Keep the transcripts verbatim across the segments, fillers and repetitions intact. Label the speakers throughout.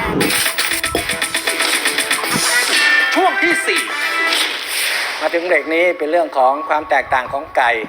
Speaker 1: ช่วงที่สี่
Speaker 2: มาถึงเบรกนี้เป็นเรื่องของความแตกต่างของไก่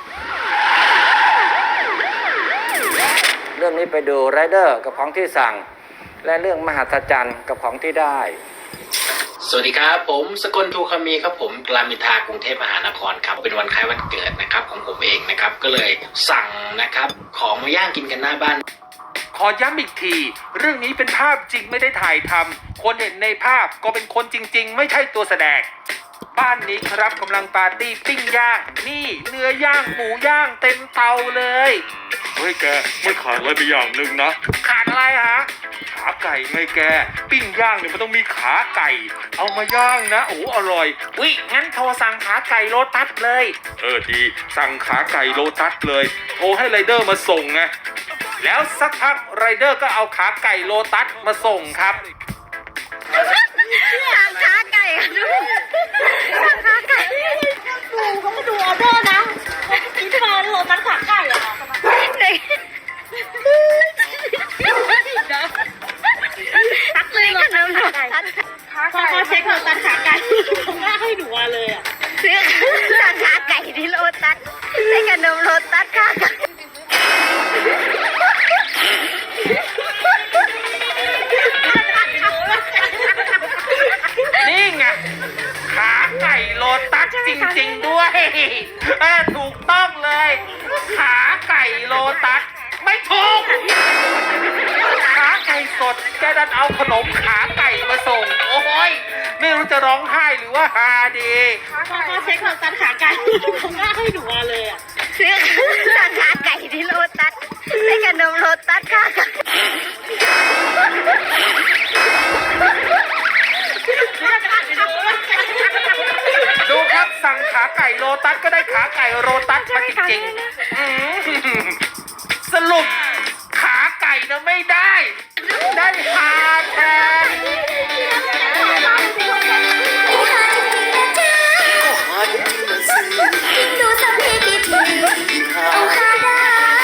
Speaker 2: เรื่องนี้ไปดูไรเดอร์กับของที่สั่งและเรื่องมหัศจรรย์กับของที่ได้
Speaker 3: สวัสดีครับผมสกลทูคามีครับผมรามอินทรากรุงเทพมหานครครับเป็นวันคล้ายวันเกิดนะครับของผมเองนะครับก็เลยสั่งนะครับของมาย่างกินกันหน้าบ้าน
Speaker 1: ขอย้ำอีกทีเรื่องนี้เป็นภาพจริงไม่ได้ถ่ายทำคนเห็นในภาพก็เป็นคนจริงๆไม่ใช่ตัวแสดงบ้านนี้ครับกำลังปาร์ตี้ปิ้งย่างนี่เนื้อย่างหมูย่างเต็มเตาเลยเฮ้ยแกไม่ขาดอะไรไปอย่างหนึ่งนะขาดอะไรฮะขาไก่ไงแกปิ้งย่างเนี่ยมันต้องมีขาไก่เอามาย่างนะโอ้อร่อยวิงั้นโทรสั่งขาไก่โลตัสเลยเออดีสั่งขาไก่โลตัสเลยโทรให้ไรเดอร์มาส่งไงแล้วสักพักไรเดอร์ก็เอาขาไก่โลตัสมาส่งครับ
Speaker 4: สั่งขาไก่ค่ะดูสั่งขาไก่ดูเขามาดูออเดอร์นะคิดมาโลตัสขาไก่เหรอเด็กตักเลยขนมโลตัสพอเขาเช็คโลตัสขาไก่เขาหน้าให้หนูมาเลยอ่ะซื้อสั่งขาไก่ที่โลตัสได้ขนมโลตัสขาไก่
Speaker 1: นี่ไงขาไก่โลตัสจริงๆด้วยเออถูกต้องเลยขาไก่โลตัสไม่ถูกขาไก่สดแกดันเอาขนมขาไก่มาส่งโอ้ยไม่รู้จะร้องไห้หรือว่าฮาดี
Speaker 4: พอเขาเช็คโลตัสขาไก่เขาหน้าให้หนูมาเลยอ่ะซื้อสั่งขาไก่ที่โลตัสได้ขนมโลตัสขาไก่
Speaker 1: ดูครับสั่งขาไก่โลตัสก็ได้ขาไก่โลตัสมาจริงๆสรุปขาไก่นะไม่ได้ได้ฮาแทน
Speaker 4: ดูสัมเพกี่ทีเอาค่าได้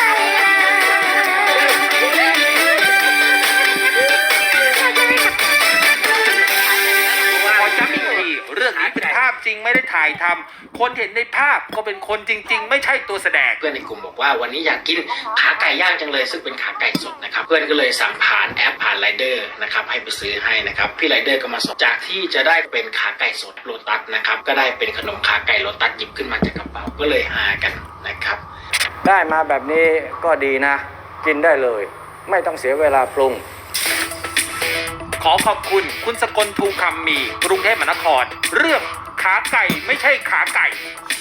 Speaker 1: ขอย้ำอีกทีเรื่องนี้เป็นภาพจริงไม่ได้ถ่ายทำคนเห็นในภาพก็เป็นคนจริงๆไม่ใช่ตัวแสดง
Speaker 3: เพื่อนในกลุ่มบอกว่าวันนี้อยากกินขาไก่ย่างจังเลยซึ่งเป็นขาไก่สดนะครับเพื่อนก็เลยสั่งผ่านแอปผ่านไรเดอร์นะครับให้ไปซื้อให้นะครับพี่ไรเดอร์ก็มาส่งจากที่จะได้เป็นขาไก่สดโลตัสนะครับก็ได้เป็นขนมขาไก่โลตัสหยิบขึ้นมาจากกระเป๋าก็เลยหากันนะครับ
Speaker 2: ได้มาแบบนี้ก็ดีนะกินได้เลยไม่ต้องเสียเวลาปรุง
Speaker 1: ขอขอบคุณคุณสกลทูคำมีกรุงเทพมหานครเรื่องขาไก่ไม่ใช่ขาไก่